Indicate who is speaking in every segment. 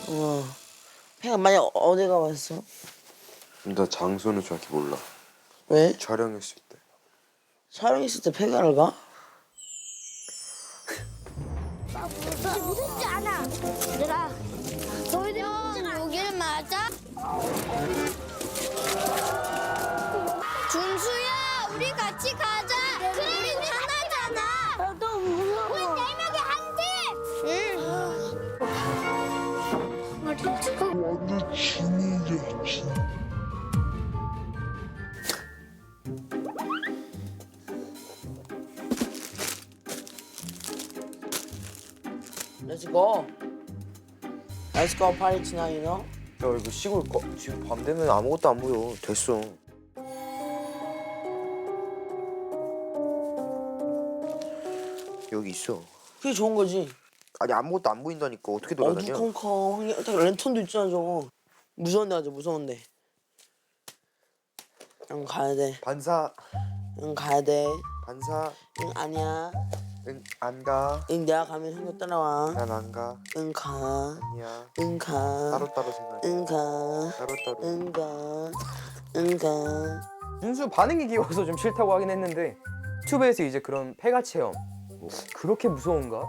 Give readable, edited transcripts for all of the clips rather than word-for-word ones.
Speaker 1: 어. 팽아 만약 어디 가봤어?
Speaker 2: 나 장소는 정확히 몰라.
Speaker 1: 왜?
Speaker 2: 촬영했을 때.
Speaker 1: 촬영했을 때 팽아를 가?
Speaker 3: 무섭지 않아. 얘들아, 너희들 여기를 맞아? 준수야, 우리 같이 가자. 우리 하나잖아. 나도 무서워. 우리 4명이 한 팀. 응.
Speaker 4: 완전 진이야, 진.
Speaker 1: Let's go. Let's go 파리 tonight, you know?
Speaker 2: 야 이거 시골 지금 밤 되면 아무것도 안 보여. 됐어. 여기 있어.
Speaker 1: 그게 좋은 거지.
Speaker 2: 아니 아무것도 안 보인다니까. 어떻게 돌아다녀?
Speaker 1: 어두컴컴. 랜턴도 있잖아 저거. 무서운데 가자 무서운데. 응 가야 돼.
Speaker 2: 반사.
Speaker 1: 응 가야 돼.
Speaker 2: 반사.
Speaker 1: 응 아니야.
Speaker 2: 응 안 가.
Speaker 1: 응 내가 가면 형도 따라와.
Speaker 2: 난 안 가.
Speaker 1: 응 가.
Speaker 2: 아니야.
Speaker 1: 응 가.
Speaker 2: 따로따로 생각해.
Speaker 1: 응 가.
Speaker 2: 따로따로.
Speaker 1: 응 가. 응 가.
Speaker 5: 준수 반응이 귀여워서 좀 싫다고 하긴 했는데 유튜브에서 이제 그런 폐가 체험 그렇게 무서운가?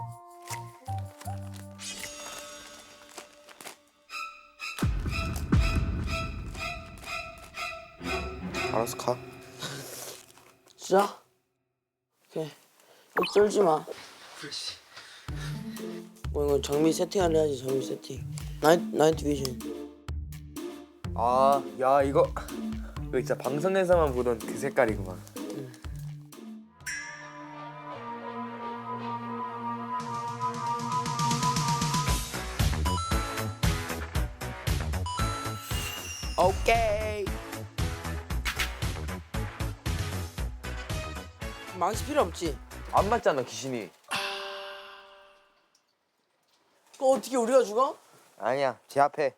Speaker 2: 알아서 가.
Speaker 1: 진짜? 오케이. 쫄지 마.
Speaker 2: 그렇지.
Speaker 1: 뭐 이거 정밀 세팅을 해야지 정밀 세팅. 나이트 비전.
Speaker 5: 아, 야 이거 진짜 방송에서만 보던 그 색깔이구만.
Speaker 1: 오케이. 망치 필요 없지?
Speaker 5: 안 맞잖아 귀신이.
Speaker 1: 그거 어떻게 우리가 죽어?
Speaker 2: 아니야. 제 앞에.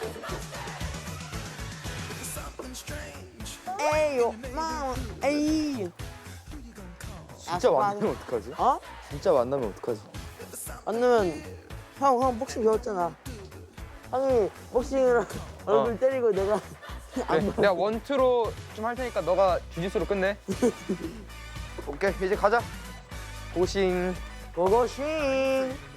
Speaker 1: 에이요, 마, 에이.
Speaker 5: 진짜 만나면 어떡하지?
Speaker 1: 어?
Speaker 5: 진짜 만나면 어떡하지?
Speaker 1: 안 되면 형 복싱 배웠잖아. 형이 복싱으로 얼굴 때리고 내가
Speaker 5: 그래, 내가 원투로 좀 할 테니까 너가 주짓수로 끝내.
Speaker 2: 오케이 이제 가자.
Speaker 5: 고싱.
Speaker 1: 고고싱.